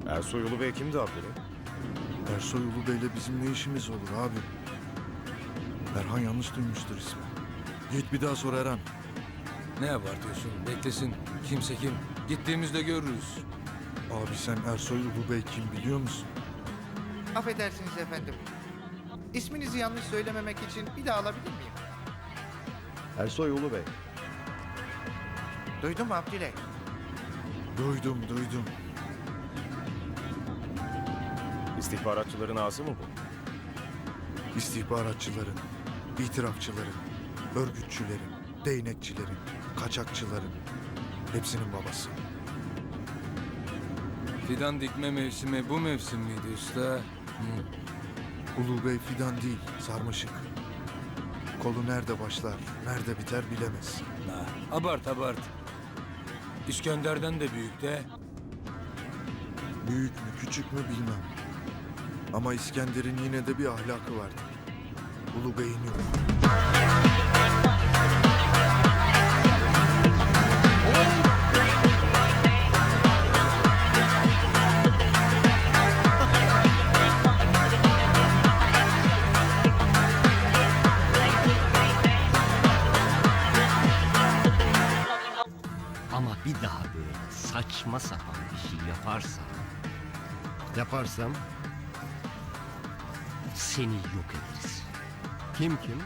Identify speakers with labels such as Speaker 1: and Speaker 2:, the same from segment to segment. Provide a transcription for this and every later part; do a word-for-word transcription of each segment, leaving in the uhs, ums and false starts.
Speaker 1: Ersoy Ulu Bey kimdi Abdüley?
Speaker 2: Ersoy Ulu Bey'le bizim ne işimiz olur abi? Erhan yanlış duymuştur ismi. Git bir daha sor Erhan.
Speaker 3: Ne abartıyorsun? Beklesin. Kimse kim? Gittiğimizde görürüz.
Speaker 2: Abi sen Ersoy Ulu Bey kim biliyor musun?
Speaker 4: Affedersiniz efendim. İsminizi yanlış söylememek için bir daha alabilir miyim?
Speaker 1: Ersoy Ulu Bey.
Speaker 4: Duydun mu Abdüley?
Speaker 2: Duydum duydum.
Speaker 1: İstihbaratçıların ağzı mı bu?
Speaker 2: İstihbaratçıların, itirafçıların, örgütçülerin, değnekçilerin, kaçakçıların hepsinin babası.
Speaker 3: Fidan dikme mevsimi bu mevsim miydi usta? Hı.
Speaker 2: Ulu Bey fidan değil, sarmaşık. Kolu nerede başlar, nerede biter bilemez.
Speaker 3: Ha, abart abart. İskender'den de büyük de.
Speaker 2: Büyük mü küçük mü bilmem. Ama İskender'in yine de bir ahlakı vardı. Ulu Bey'in yok.
Speaker 5: Ama bir daha böyle saçma sapan bir şey yaparsam... Yaparsam... Seni yok ederiz.
Speaker 6: Kim kim?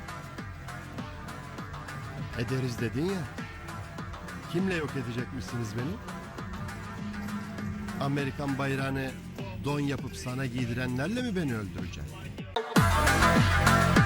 Speaker 6: Ederiz dedin ya. Kimle yok edecekmişsiniz beni? Amerikan bayrağını don yapıp sana giydirenlerle mi beni öldüreceksin?